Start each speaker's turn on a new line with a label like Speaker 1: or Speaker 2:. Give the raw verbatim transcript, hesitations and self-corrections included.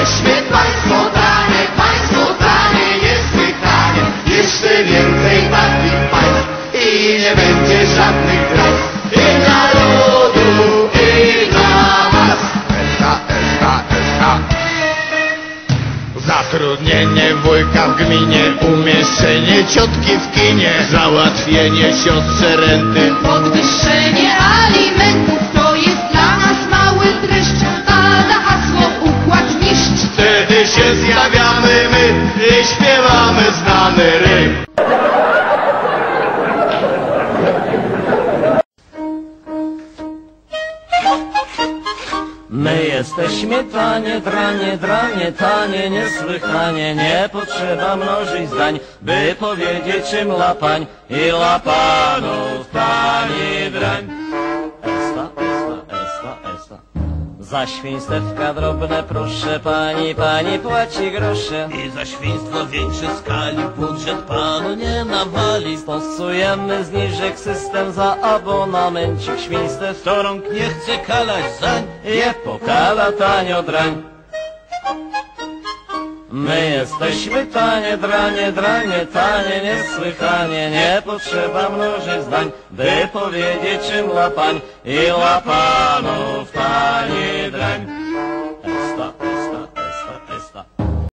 Speaker 1: jesteśmy państwo dane, państwo dane niesłychanie. Jeszcze więcej takich państw i nie będzie żadnych granic. I dla ludu, i dla was. S K, S K, S K. Zatrudnienie wujka w gminie, umieszczenie ciotki w kinie, załatwienie siostrze renty,
Speaker 2: podwyższenie alimentów. To jest dla nas mały dreszcz, pada hasło układ niszcz.
Speaker 1: Wtedy się zjawiamy my i śpiewamy znany ryb.
Speaker 3: My jesteśmy tanie, dranie, dranie, tanie, niesłychanie. Nie potrzeba mnożyć zdań, by powiedzieć czym lapań i lapanów tani drań. Esta, esta, esta, esta. Za świństewka drobne proszę pani, pani płaci grosze.
Speaker 4: I za świństwo większej skali budżet panu nie nawali.
Speaker 3: Stosujemy zniżek system za abonamencik świństw.
Speaker 4: Kto rąk nie chce kalać zań,
Speaker 3: je pokala tanio drań. My jesteśmy tanie, dranie, dranie, tanie, niesłychanie. Nie potrzeba mnożyć zdań, by powiedzieć czym lapań i lapanów tani drań.